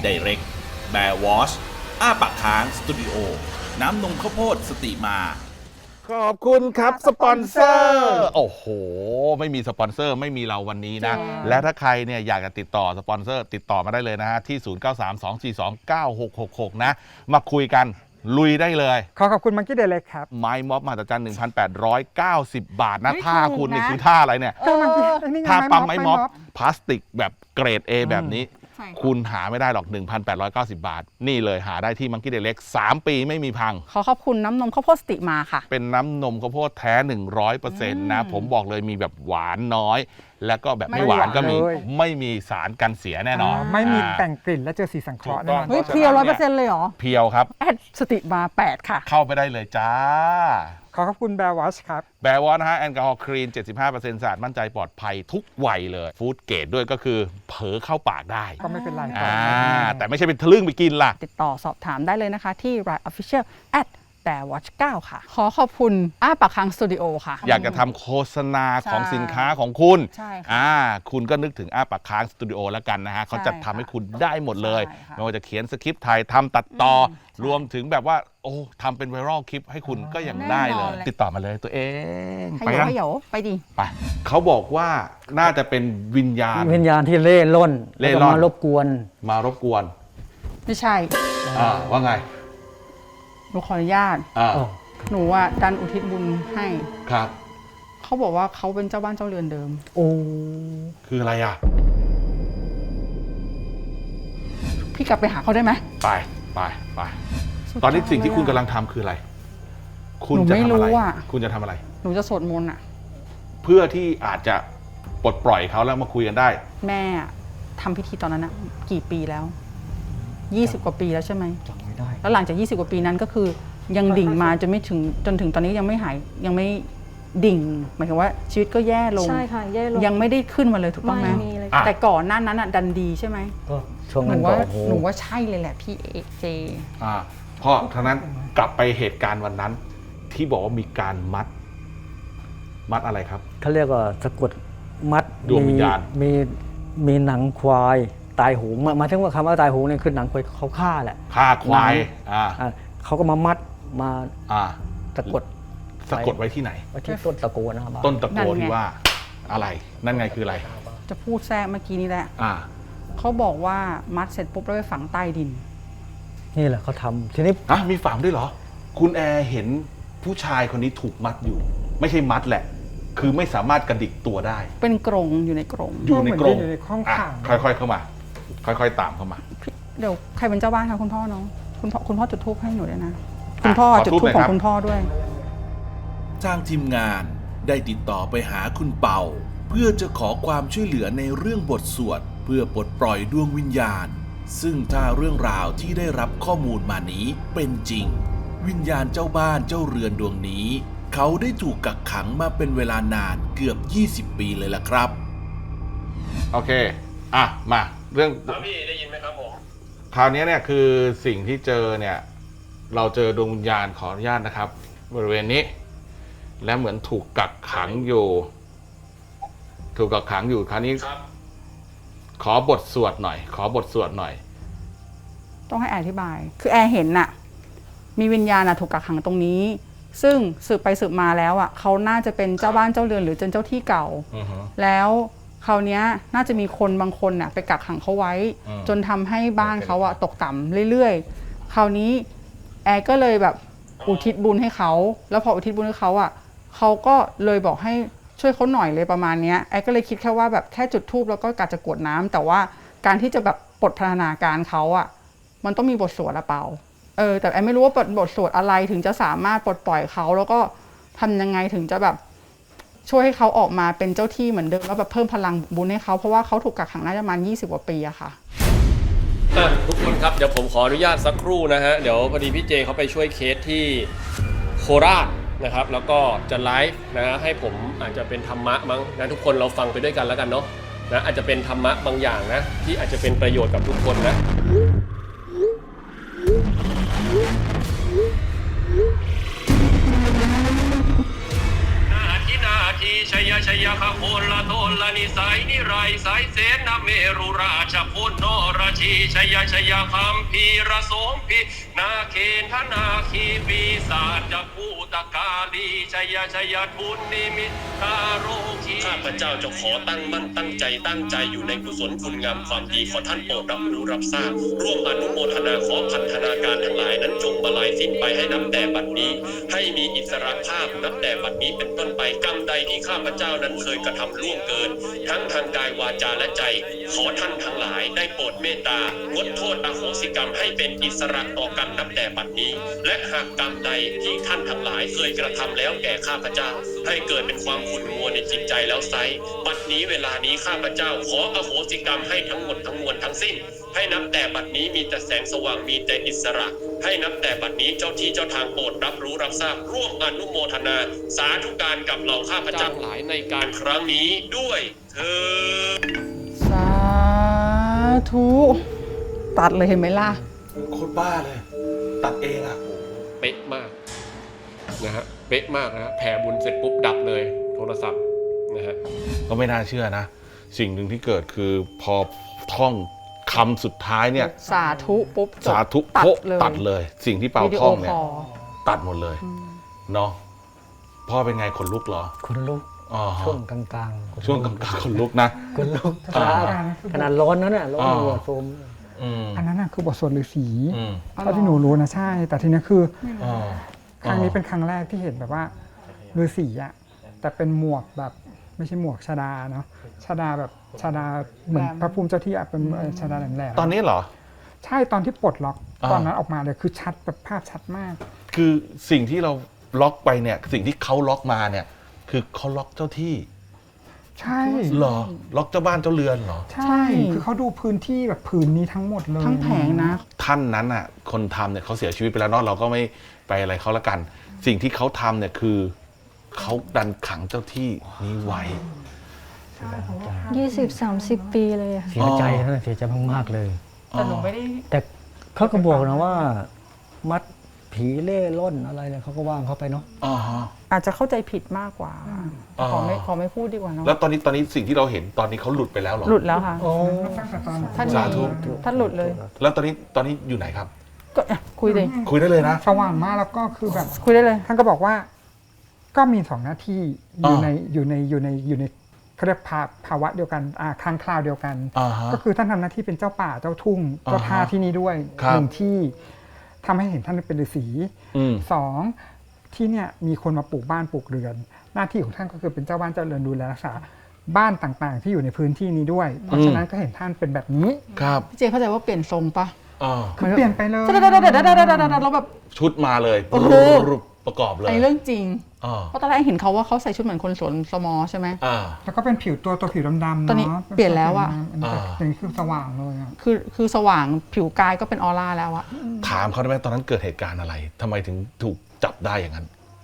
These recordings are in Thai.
Direct แบร์วอชอ้าปากค้างสตูดิโอน้ำนมข้าวโพดสติมาขอบคุณครับสปอนเซอร์โอ้โหไม่มีสปอนเซอร์ไม่มีเราวันนี้นะและถ้าใครเนี่ยอยากจะติดต่อสปอนเซอร์ติดต่อมาได้เลยนะฮะที่0932429666นะมาคุยกันลุยได้เลยขอบคุณมังกี้เดเล็กครับไม้ม็อบมหัศจรรย์ 1,890 บาทนะท่าคุณนี่คือท่าอะไรเนี่ยท่าปั๊มไม้ม็อบพลาสติกแบบเกรด A แบบนี้คุณหาไม่ได้หรอก 1,890 บาทนี่เลยหาได้ที่มังกี้เดเล็ก3 ปีไม่มีพังขอบคุณน้ำนมข้าวโพดสติมาค่ะเป็นน้ำนมข้าวโพดแท้ 100% นะผมบอกเลยมีแบบหวานน้อยแล้วก็แบบไม่หวานก็มีไม่มีสารกันเสียแน่นอนไม่มีแต่งกลิ่นและเจอสีสังเคราะห์แน่นอนเฮ้ยเพียว 100% เลยเหรอเพียวครับแอดสติมา8ค่ะเข้าไปได้เลยจ้าขอบคุณแบร์วอชครับแบร์วอชนะฮะแอลกอฮอล์คลีน 75% สะอาดมั่นใจปลอดภัยทุกวัยเลยฟู้ดเกรดด้วยก็คือเผลอเข้าปากได้ก็ไม่เป็นไรแต่ไม่ใช่เป็นทะลึ่งไปกินล่ะติดต่อสอบถามได้เลยนะคะที่ Line Official @BearWatch 9 ค่ะขอบคุณอ้าปากค้างสตูดิโอค่ะอยากจะทำโฆษณาของสินค้าของคุณใช่ค่ะคุณก็นึกถึงอ้าปากค้างสตูดิโอแล้วกันนะฮะเขาจะทำให้คุณได้หมดเลยไม่ว่าจะเขียนสคริปต์ถ่ายทำตัดต่อรวมถึงแบบว่าโอ้ทำเป็นไวรัลคลิปให้คุณก็ยังได้เลยติดต่อมาเลยตัวเองไปนะไปดิไปเขาบอกว่าน่าจะเป็นวิญญาณที่เล่ร่อนมารบกวนไม่ใช่ว่าไงหนูขออนุญาตหนูดันอุทิศบุญให้ครับเขาบอกว่าเขาเป็นเจ้าบ้านเจ้าเรือนเดิมโอ้คืออะไรอ่ะพี่กลับไปหาเขาได้ไหมไปตอนนี้สิ่งที่คุณกำลังทำคืออะไรคุณจะทำอะไรคุณจะทำอะไรหนูจะสวดมนต์เพื่อที่อาจจะปลดปล่อยเขาแล้วมาคุยกันได้แม่ทำพิธีตอนนั้นกี่ปีแล้ว20 กว่าปีแล้วใช่ไหมจำไม่ได้แล้วหลังจาก20 กว่าปีนั้นก็คือยังดิ่งมาจนถึงตอนนี้ยังไม่หายยังไม่ดิ่งหมายถึงว่าชีวิตก็แย่ลงใช่ค่ะแย่ลงยังไม่ได้ขึ้นมาเลยถูกต้องไหมแต่ก่อนหน้านั้นดันดีใช่ไหมก็ช่วงนั้นหนูว่าใช่เลยแหละพี่เจเพราะฉะนั้นกลับไปเหตุการณ์วันนั้นที่บอกว่ามีการมัดอะไรครับเขาเรียกว่าสะกดมัดดวงวิญญาณมีหนังควายตายโหงมาถึงว่าคำว่าตายโหงเนี่ยคือหนังควายเขาฆ่าแหละฆ่าควายเขาก็มามัดมาสะกดไว้ที่ไหนไว้ที่ต้นตะโกนะครับต้นตะโกที่ว่าอะไรนั่นไงคืออะไรจะพูดแทรกเมื่อกี้นี้แหละเขาบอกว่ามัดเสร็จปุ๊บแล้วไปฝังใต้ดินนี่แหละเขาทำทีนี้มีฝังด้วยเหรอคุณแอร์เห็นผู้ชายคนนี้ถูกมัดอยู่ไม่ใช่มัดแหละคือไม่สามารถกระดิกตัวได้เป็นกรงอยู่ในกรงอยู่ในห้องขังค่อยๆเข้ามาค่อยๆตามเข้ามาเดี๋ยวใครเป็นเจ้าบ้านคะคุณพ่อเนาะคุณพ่อจุดธูปให้หนูด้วยนะคุณพ่อจุดธูปของคุณพ่อด้วยทางทีมงานได้ติดต่อไปหาคุณเป่าเพื่อจะขอความช่วยเหลือในเรื่องบทสวดเพื่อปลดปล่อยดวงวิญญาณซึ่งถ้าเรื่องราวที่ได้รับข้อมูลมานี้เป็นจริงวิญญาณเจ้าบ้านเจ้าเรือนดวงนี้เขาได้ถูกกักขังมาเป็นเวลานานเกือบ20 ปีเลยล่ะครับโอเคมาเรื่องพี่ได้ยินไหมครับผมคราวนี้เนี่ยคือสิ่งที่เจอเนี่ยเราเจอดวงวิญญาณขออนุญาตนะครับบริเวณนี้และเหมือนถูกกักขังอยู่คราวนี้ขอบทสวดหน่อยต้องให้แอร์อธิบายคือแอร์เห็นมีวิญญาณถูกกักขังตรงนี้ซึ่งสืบไปสืบมาแล้วเขาน่าจะเป็นเจ้าบ้านเจ้าเรือนหรือเจ้าที่เก่าแล้วคราวนี้น่าจะมีคนบางคนไปกักขังเขาไว้จนทำให้บ้านเขาตกต่ำเรื่อยๆคราวนี้แอร์ก็เลยแบบอุทิศบุญให้เขาแล้วพออุทิศบุญให้เขาเขาก็เลยบอกให้ช่วยเขาหน่อยเลยประมาณนี้แอร์ก็เลยคิดแค่ว่าแบบแค่จุดธูปแล้วก็กะจะกรวดน้ำแต่ว่าการที่จะแบบปลดพัฒนาการเขามันต้องมีบทสวดเปล่าแต่แอร์ไม่รู้ว่าบทสวดอะไรถึงจะสามารถปลดปล่อยเขาแล้วก็ทำยังไงถึงจะแบบช่วยให้เขาออกมาเป็นเจ้าที่เหมือนเดิมแล้วแบบเพิ่มพลังบุญให้เขาเพราะว่าเขาถูกกักขังน่าจะประมาณ20 กว่าปีค่ะทุกคนครับเดี๋ยวผมขออนุญาตสักครู่นะฮะเดี๋ยวพอดีพี่เจเขาไปช่วยเคสที่โคราชนะครับแล้วก็จะไลฟ์นะให้ผมอาจจะเป็นธรรมะมั้งนะทุกคนเราฟังไปด้วยกันแล้วกันเนาะนะอาจจะเป็นธรรมะบางอย่างนะที่อาจจะเป็นประโยชน์กับทุกคนนะนาทีชัยยชยคโพลโทลนิสัยนิไรสายเสนาเมรุราชพลโนราชีชยชยคัมพีระสมพีนาเคนธนาคีปีศาจภูตกาลีชยชยทุนนิมิตคาโรคีข้าพเจ้าจะขอตั้งมั่นตั้งใจอยู่ในกุศลคุณงามความดีขอท่านโปรดรับรู้รับทราบร่วมอนุโมทนาขอพันธนาการทั้งหลายนั้นจงบรรลัยสิ้นไปให้นับแต่บัดนี้ให้มีอิสรภาพนับแต่บัดนี้เป็นต้นไปกรรมใดที่ข้าพเจ้านั้นเคยกระทำล่วงเกินทั้งทางกายวาจาและใจขอท่านทั้งหลายได้โปรดเมตตางดโทษอโหสิกรรมให้เป็นอิสระต่อกันนับแต่บัดนี้และหากกรรมใดที่ท่านทั้งหลายเคยกระทำแล้วแก่ข้าพเจ้าให้เกิดเป็นความขุ่นมัวในจิตใจแล้วไซบัดนี้เวลานี้ข้าพเจ้าขออโหสิกรรมให้ทั้งหมดทั้งมวลทั้งสิ้นให้นับแต่บัดนี้มีแต่แสงสว่างมีแต่อิสระให้นับแต่บัดนี้เจ้าที่เจ้าทางโปรดรับรู้รับทราบร่วมอนุโมทนาสาธุการกับเราข้าพเจ้าหลายในการครั้งนี้ด้วยเถิดสาธุตัดเลยเห็นไหมล่ะโคตรบ้าเลย ตัดเองอ่ะเป๊ะมากนะฮะเป๊ะมากนะฮะแผ่บุญเสร็จปุ๊บดับเลยโทรศัพท์นะฮะก็ไม่น่าเชื่อนะ สิ่งหนึ่งที่เกิดคือพอท่องคำสุดท้ายเนี่ยสาธุปุ๊บจบสาธุตัดโพะเลยตัดเลย สิ่งที่เปาวิดีโอท่องเนี่คยอลตัดหมดเลยเนาะพ่อเป็นไงขนลุกเหรอคนลุกอ๋อช่วงกลางๆช่วงกลางๆขนลุกนะคนลุกอ่าขนาดร้อนนั้นน่ะร้อนอ่าหัวโฟมอืมอันนั้นน่ะคือบทสวดฤาษีอืมเท่าที่หนูรู้นะใช่ แต่ทีนี้คืออ๋อครั้งนี้เป็นครั้งแรกที่เห็นแบบว่าฤาษีอะแต่เป็นหมวกแบบไม่ใช่หมวกชดาเนาะชดาแบบชดาเหมือนพระภูมิเจ้าที่อะเป็นชดาแหลมๆตอนนี้เหรอใช่ตอนที่ปลดล็อกอ่าตอนนั้นออกมาเลยคือชัดแบบภาพชัดมากคือสิ่งที่เราล็อกไปเนี่ยสิ่งที่เขาล็อกมาเนี่ยคือเขาล็อกเจ้าที่ใช่เหรอล็อกเจ้าบ้านเจ้าเรือนเหรอใช่ คือเขาดูพื้นที่แบบผืนนี้ทั้งหมดเลยทั้งแผงนะท่านนั้นอ่ะคนทำเนี่ยเขาเสียชีวิตไปแล้วเนาะเราก็ไม่ไปอะไรเขาละกัน สิ่งที่เขาทำเนี่ยคือเขาดันขังเจ้าที่นี้ไว้ 20-30 ปีเลยอะเสียใจนะเสียใจมากๆเลยแต่หนูไม่ได้แต่เขาก็บอกนะว่า มัดผีเล่ร่อนอะไรเนี่ยเขาก็ว่างเขาไปเนาะอ๋อฮะอาจจะเข้าใจผิดมากกว่าอ๋อขอไม่พูดดีกว่าเนาะแล้วตอนนี้สิ่งที่เราเห็นตอนนี้เขาหลุดไปแล้วเหรอหลุดแล้วค่ะตั้งแต่ตอนท่านสาธุท่านหลุดเลยแล้วตอนนี้อยู่ไหนครับก็คุยเลยคุยได้เลยนะสว่างมากแล้วก็คือแบบคุยได้เลยท่านก็บอกว่าก็มีสองหน้าที่อยู่อ่าในเขาเรียกภาวะเดียวกันครั้งคราวเดียวกันอ่าฮะก็คือท่านทำหน้าที่เป็นเจ้าป่าเจ้าทุ่งอ่าฮะเจ้าท่าที่นี่ด้วยครับหนึ่งที่ทำให้เห็นท่านเป็นฤาษีอืมสองที่เนี่ยมีคนมาปลูกบ้านปลูกเรือน หน้าที่ของท่านก็คือเป็นเจ้าบ้านเจ้าเรือนดูแลรักษาบ้านต่างๆ ที่อยู่ในพื้นที่นี้ด้วย เพราะฉะนั้นก็เห็นท่านเป็นแบบนี้ครับพี่เจเข้าใจว่าเปลี่ยนทรงปะอ่าคือเปลี่ยนไปเลยแล้วแบบชุดมาเลยโอ้โหรูปประกอบเลยไอ้เรื่องจริงอ่าเพราะตอนแรกเห็นเขาว่าเขาใส่ชุดเหมือนคนสวนสมอใช่ไหมอ่าแล้วก็เป็นผิวตัวผิวดำๆตอนนี้เนาะเปลี่ยนแล้วอะอันนี้อย่างนี้คือสว่างเลยอะคือสว่างผิวกายก็เป็นออร่าแล้วอะถามเขาได้ไหมตอนนั้นเกิดเหตุการณ์อะไรทำไมถึงถูกจับได้อย่างนั้น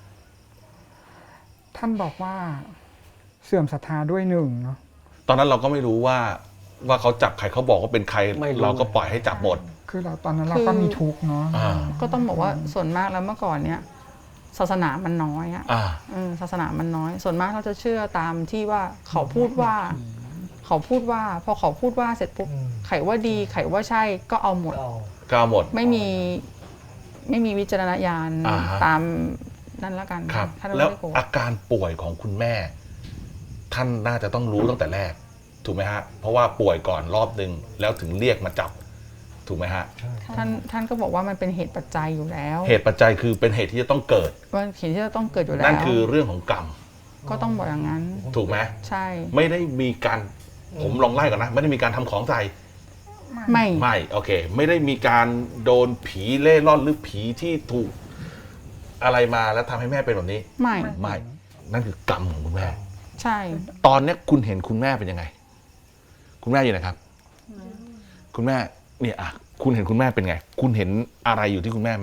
ท่านบอกว่าเสื่อมศรัทธาด้วยหนึ่งเนาะตอนนั้นเราก็ไม่รู้ว่าเขาจับใครเขาบอกว่าเป็นใครไม่รู้เราก็ปล่อยให้จับหมดคือเราตอนนั้นเราก็มีทุกข์เนาะอ่าก็ต้องบอกว่าส่วนมากแล้วเมื่อก่อนเนี้ยศาสนามันน้อยอะอ่าศาสนามันน้อย ส่วนมากเราจะเชื่อตามที่ว่าเขาพูดว่า พอเขาพูดว่าเสร็จปุ๊บไขว่าดีไขว่าใช่ก็เอาหมดก็เอาหมดไม่มีวิจารณญาณอ่าฮะตามนั่นแล้วกันครับท่านไม่แล้วได้โกรธอาการป่วยของคุณแม่ ท่านน่าจะต้องรู้ตั้งแต่แรก ถูกไหมฮะ เพราะว่าป่วยก่อนรอบนึงแล้วถึงเรียกมาจับ ถูกไหมฮะท่านก็บอกว่ามันเป็นเหตุปัจจัยอยู่แล้วเหตุปัจจัยคือเป็นเหตุที่จะต้องเกิดว่าเหตุที่จะต้องเกิดอยู่แล้วนั่นคือเรื่องของกรรมก็ต้องบอกอย่างนั้นถูกไหมใช่ไม่ได้มีการผมลองไล่ก่อนนะ ไม่ได้มีการทำของใส่ไม่ไม่โอเค ไม่ได้มีการโดนผีเล่ร่อนหรือผีที่ถูกอะไรมาแล้วทำให้แม่เป็นแบบนี้ไม่ไม่นั่นคือกรรมของคุณแม่ใช่ตอนเนี้ยคุณเห็นคุณแม่เป็นยังไง คุณแม่อยู่ไหนครับ คุณแม่เนี่ยอ่ะคุณเห็นคุณแม่เป็นไง คุณเห็นอะไรอยู่ที่คุณแม่ไหม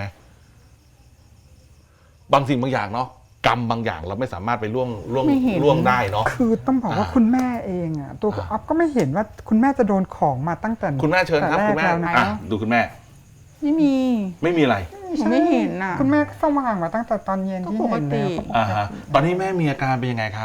บางสิ่งบางอย่างเนาะกรรมบางอย่างเราไม่สามารถไปล่วงได้เนาะคือต้องบอกว่าคุณแม่เองอะตัวอ๊อฟก็ไม่เห็นว่าคุณแม่จะโดนของมาตั้งแต่คุณแม่เชิญครับแต่คุณแม่แรกแล้วนะอ่ะดูคุณแม่ไม่มีไม่มีอะไรหนูไม่เห็นน่ะคุณแม่ก็สว่างมาตั้งแต่ตอนเย็นที่ก็ปกเห็นติแล้วอ่าฮะตอนนี้แม่มีอาการเป็นยังไงครับ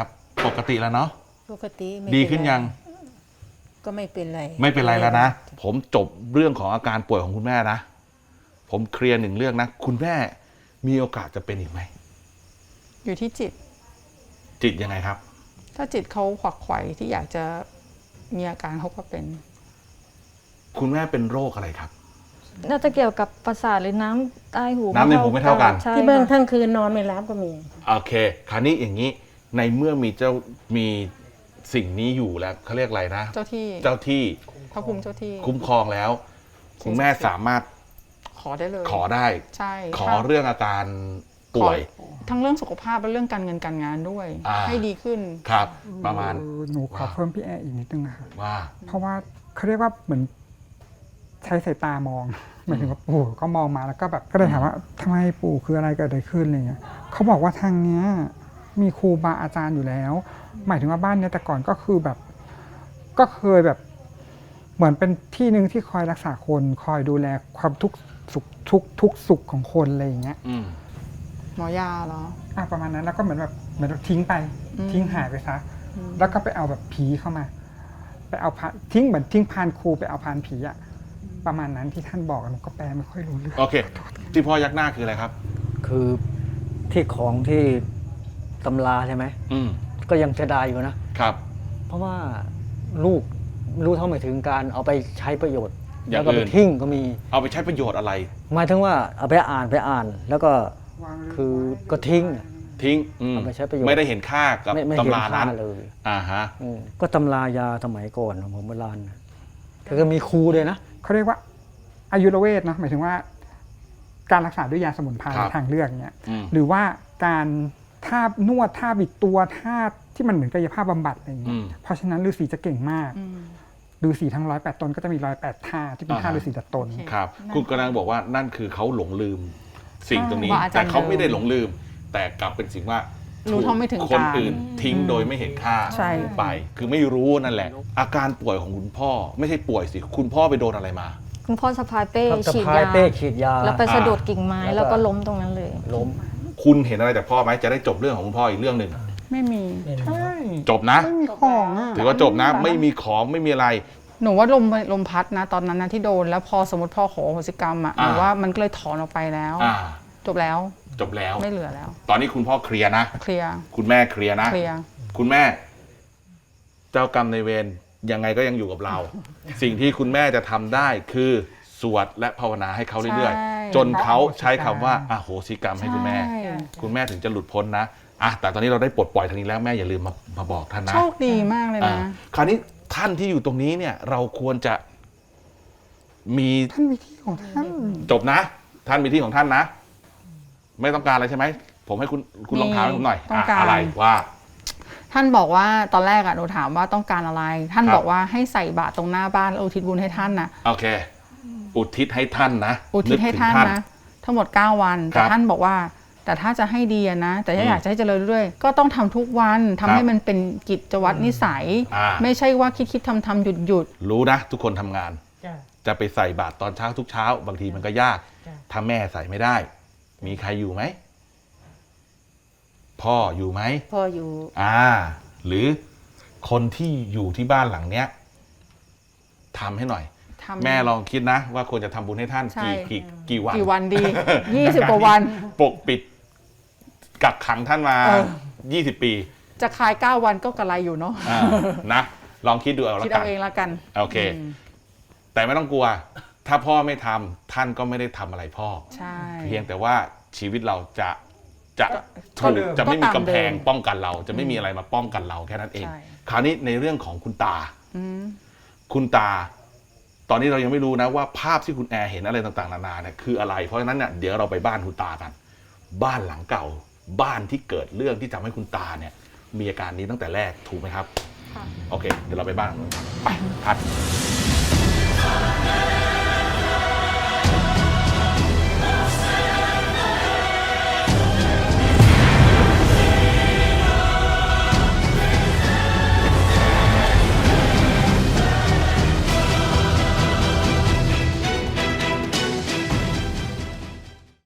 ปกติแล้วเนาะปกติไม่ดีเป็ขึ้นยังก็ไม่เป็นไรไม่เป็นไรแล้วนะ ผมจบเรื่องของอาการป่วยของคุณแม่นะ ผมเคลียร์หนึ่งเรื่องนะ คุณแม่มีโอกาสจะเป็นอีกไหมอยู่ที่จิตจิตยังไงครับถ้าจิตเขาขวักไขว่ที่อยากจะมีอาการเขาก็เป็นคุณแม่เป็นโรคอะไรครับน่าจะเกี่ยวกับประสาทหรือน้ำใต้หูน้ำในหูไม่เท่ากันใช่ที่เบิ้งค่ะทั้งคืนนอนไม่หลับก็มีโอเค คราวนี้อย่างนี้ ในเมื่อมีสิ่งนี้อยู่แล้วเขาเรียกอะไรนะเจ้าที่เจ้าที่พระภูมิเจ้าที่คุ้มครองแล้ว คุณแม่สามารถขอได้เลยขอได้ใช่ขอถ้าเรื่องอาการป่วยขอทั้งเรื่องสุขภาพและเรื่องการเงินการงานด้วย ให้ดีขึ้นครับ ประมาณหนูขอเพิ่มพี่แอร์อีกนิดนึงนะคะว่าเพราะว่าเขาเรียกว่าเหมือนใช้สายตามองหมายถึงว่าปู่ก็มองมาแล้วก็แบบก็เลยถามว่าทำไมปู่คืออะไรเกิดอะไรขึ้นอะไรเงี้ยเขาบอกว่าทางเนี้ยมีครูบาอาจารย์อยู่แล้ว หมายถึงว่าบ้านเนี้ยแต่ก่อนก็คือแบบ ก็เคยแบบเหมือนเป็นที่หนึ่งที่คอยรักษาคนคอยดูแลความทุกข์สุขทุกสุขของคนอะไรอย่างเงี้ยอืมหมอยาเหรอประมาณนั้นแล้วก็เหมือนแบบทิ้งไปอืมทิ้งหายไปซะแล้วก็ไปเอาแบบผีเข้ามา ไปเอาพานทิ้งเหมือนทิ้งพานครูไปเอาพานผีอะประมาณนั้นที่ท่านบอกหนูก็แปลไม่ค่อยรู้เรื่องโอเค ที่พ่อยักหน้าคืออะไรครับคือที่ของที่ตำราใช่ไหมอืมก็ยังเสียดายอยู่นะครับเพราะว่าลูกรู้เท่าไม่ถึงการเอาไปใช้ประโยชน์อย่าแล้งวก็อื่ไปนทิ้งก็มีเอาไปใช้ประโยชน์อะไรหมายถึงว่าเอาไปอ่านแล้วก็คือก็ทิ้งทิ้งเอาไปใช้ประโยชน์ไม่ได้เห็นค่ากับไม่เห็นตำราค่านั้นเลยอ่าฮะก็ตำรายาสมัยก่อนของโบราณนะก็มีครูเลยนะเขาเรียกว่าอายุรเวทเนอะหมายถึงว่า การรักษาด้วยยาสมุนไพรครับทางเลือกเนี่ยอืมหรือว่าการท่านวดท่าบิดตัวท่าที่มันเหมือนกายภาพบำบัดอะไรอย่างเงี้ยเพราะฉะนั้นฤาษีจะเก่งมากฤาษีทั้ง108 ตนก็จะมี108ท่าที่เป็นท่าฤาษีดัดตนโอเคครับ คุณกำลังบอกว่านั่นคือเขาหลงลืมสิ่งตรงนี้ว่าอาจารย์แต่เขาไม่ได้หลงลืม แต่กลับเป็นสิ่งว่ารู้เท่าไม่ถึงคนการอื่นทิ้งโดยไม่เห็นค่าใช่ไป คือไม่รู้นั่นแหละ อาการป่วยของคุณพ่อ ไม่ใช่ป่วยสิ คุณพ่อไปโดนอะไรมาคุณพ่อสะพายเป้สะฉีดพายยาเป้ฉีดยาแล้วไปสะดุดกิ่งไม้แล้วก็แล้วก็ล้มตรงนั้นเลยล้มคุณเห็นอะไรจากพ่อไหมจะได้จบเรื่องของคุณพ่ออีกเรื่องหนึ่งไม่มีใช่จบนะไม่มีของอ่ะถือว่าจบนะ ไม่มีของไม่มีอะไรหนูว่าลมพัดนะ ตอนนั้นนะที่โดนแล้วพอสมมติพ่อขอโหสิกรรมอ่ะหนูว่ามันก็เลยถอนออกไปแล้วอ่าจบแล้วจบแล้วไม่เหลือแล้วตอนนี้คุณพ่อเคลียร์นะเคลียร์คุณแม่เคลียร์นะเคลียร์คุณแม่ เจ้ากรรมในายเวรยังไงก็ยังอยู่กับเรา สิ่งที่คุณแม่จะทำได้คือสวดและภาวนาให้เขาเรื่อยใช่ๆ จนเขาใช้คำว่าอโหสิกรรมให้คุณแม่ใช่คุณแม่ถึงจะหลุดพ้นนะอ่ะแต่ตอนนี้เราได้ปลดปล่อยทางนี้แล้วแม่อย่าลืมมาบอกท่านนะโชคดีมากเลยอ่านะคราวนี้ท่านที่อยู่ตรงนี้เนี่ย เราควรจะมีท่านมีที่ของท่านจบนะ ท่านมีที่ของท่านนะ ไม่ต้องการอะไรใช่ไหมผมให้คุณลองถามให้ผมหน่อยต้องการอะไรว่าท่านบอกว่าตอนแรกอะหนูถามว่าต้องการอะไร ท่านครับบอกว่าให้ใส่บาตรตรงหน้าบ้านแล้วอุทิศบุญให้ท่านนะโอเค อุทิศให้ท่านนะอุทิศให้นึกถึงท่านนะทั้งหมด 9 วันครัแต่บท่านบอกว่า แต่ถ้าจะให้ดีอะนะ แต่ถ้าอยากจะให้เจริญเรื่อยๆก็ต้องทำทุกวันทำครับให้มันเป็นกิจวัตรนิสัยอ่าไม่ใช่ว่าคิดทำหยุดรู้นะ ทุกคนทำงานจ้ะจะไปใส่บาตรตอนเช้าทุกเช้า บางทีมันก็ยากจ้ะถ้าแม่ใส่ไม่ได้ มีใครอยู่ไหม พ่ออยู่ไหมพ่ออยู่หรือคนที่อยู่ที่บ้านหลังเนี้ยทำให้หน่อยๆทำแม่ลองคิดนะ ว่าควรจะทำบุญให้ท่านใช่กี่วันกี่วันดี 20 กว่าวันปกปิดกักขังท่านมาเออ 20 ปีจะคลาย 9 วันก็กระไรอยู่เนาะนะ ลองคิดดูเอาละคิดกัเอานเองละกันโอเค แต่ไม่ต้องกลัว ถ้าพ่อไม่ทำท่านก็ไม่ได้ทำอะไรพ่อใช่เพียงแต่ว่าชีวิตเราจะก็ถูกจะไม่มีก็ตามกำแพงเดิมป้องกันเรา จะไม่มีอะไรมาป้องกันเราแค่นั้นเองใช่คราวนี้ในเรื่องของคุณตาอืมคุณตา ตอนนี้เรายังไม่รู้นะว่าภาพที่คุณแอร์เห็นอะไรต่างๆนานาเนี่ยคืออะไร เพราะฉะนั้นเนี่ยเดี๋ยวเราไปบ้านคุณตากัน บ้านหลังเก่า บ้านที่เกิดเรื่องที่ทำให้คุณตาเนี่ย มีอาการนี้ตั้งแต่แรกถูกไหมครับค่ะโอเค เดี๋ยวเราไปบ้านหลังนู้นกันไปพัด